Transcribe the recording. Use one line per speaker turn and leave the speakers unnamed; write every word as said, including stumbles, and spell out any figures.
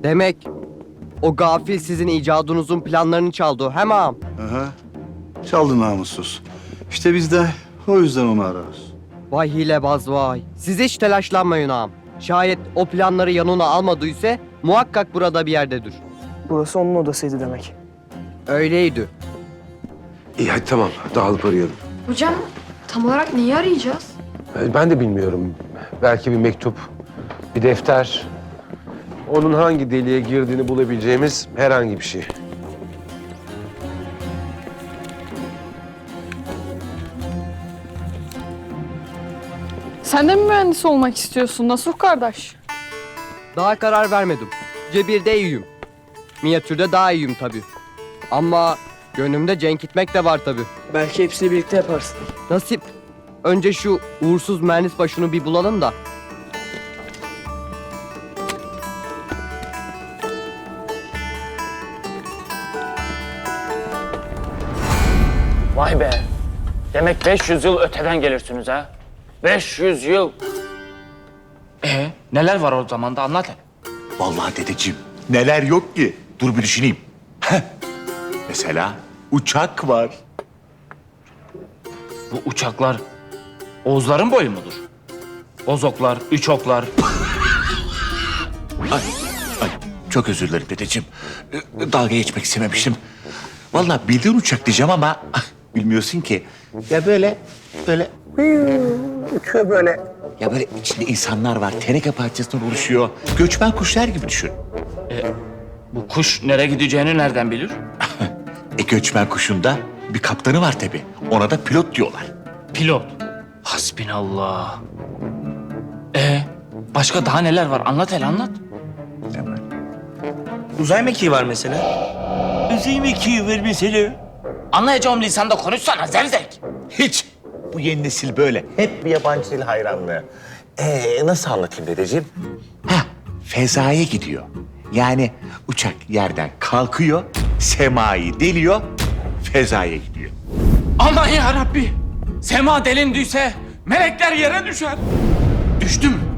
Demek o gafil sizin icadınızın planlarını çaldı, hem ağam.
Aha. Çaldı namussuz. İşte biz de o yüzden onu ararız.
Vay hilebaz vay. Siz hiç telaşlanmayın ağam. Şayet o planları yanına almadıysa muhakkak burada bir yerdedir.
Burası onun odasıydı demek.
Öyleydi.
İyi hadi tamam dağılıp arayalım.
Hocam tam olarak neyi arayacağız?
Ee, Ben de bilmiyorum. Belki bir mektup, bir defter. Onun hangi deliğe girdiğini bulabileceğimiz herhangi bir şey.
Sen de mi mühendis olmak istiyorsun Nasuh kardeş?
Daha karar vermedim. Cebirde iyiyim. Minyatürde daha iyiyim tabii. Ama gönlümde cenk gitmek de var tabii.
Belki hepsini birlikte yaparsın.
Nasip. Önce şu uğursuz mühendis başını bir bulalım da.
Vay be. Demek beş yüz yıl öteden gelirsiniz ha. beş yüz yıl. Ee, neler var o zaman da anlat hele.
Vallahi dedeciğim neler yok ki. Dur bir düşüneyim. Heh. Mesela uçak var.
Bu uçaklar Oğuzların boyu mudur? Bozoklar, üçoklar.
Ay, ay çok özür dilerim dedeciğim. Ee, Dalga geçmek istememiştim. Vallahi bildiğin uçak diyeceğim ama ah, bilmiyorsun ki. Ya böyle, böyle uçuyor böyle. Ya böyle içinde insanlar var. Teneke parçasından oluşuyor. Göçmen kuşlar gibi düşün.
Bu kuş nereye gideceğini nereden bilir?
E göçmen kuşunda bir kaptanı var tabii. Ona da pilot diyorlar.
Pilot. Hasbinallah. Ee, başka daha neler var? Anlat hele anlat.
Uzay mekiği var mesela.
Uzay mekiği var mesela.
Anlayacağım lisanda konuşsana zevzek.
Hiç. Bu yeni nesil böyle. Hep bir yabancı dil hayranlığı. Ee, nasıl anlatayım dedeciğim? Hah, fezaya gidiyor. Yani uçak yerden kalkıyor, semayı deliyor, fezaya gidiyor.
Aman ya Rabbi. Sema delindiyse melekler yere düşer. Düştü mü?